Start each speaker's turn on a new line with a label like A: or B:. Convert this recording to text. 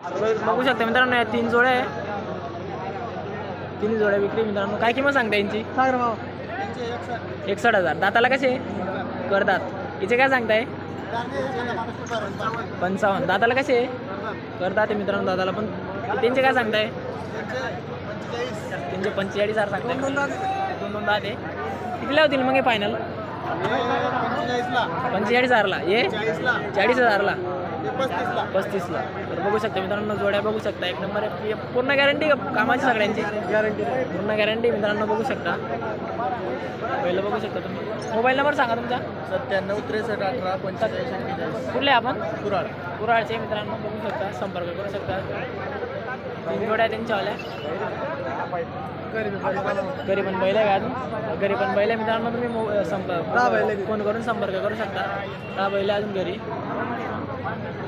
A: बघू शकता मित्रांनो, या 3 जोड्या आहे, 3 जोड्या विक्री मित्रांनो. काय किंमत सांगता यांची? 61,000. दाताला कसे करतात? हिचे काय सांगताय? 55. दाताला कसे करतात ते मित्रांनो? दाताला पण त्यांचे काय सांगताय? त्यांचे 45,000 सांगताय. 2 दात आहे. कितीला होतील मग हे फायनल? 45,000ला. हे 40,000ला, 35ला. तर बघू शकता मित्रांनो, जोड्या बघू शकता, एक नंबर आहे. पूर्ण गॅरंटी कामाची सगळ्यांची? गॅरंटी, पूर्ण गॅरंटी मित्रांनो. बघू शकता, पहिलं बघू शकता तुम्ही. मोबाईल नंबर सांगा तुमचा.
B: 97 63 18 45 45.
A: कुठले आपण?
B: कुराड.
A: कुराडचे मित्रांनो. बघू शकता, संपर्क करू शकता. 3 जोड्या त्यांच्यावाल्या. घरी पण बैल आहे का अजून? घरी पण बैल आहे मित्रांनो. तुम्ही फोन करून संपर्क करू शकता. 10 बैल अजून घरी.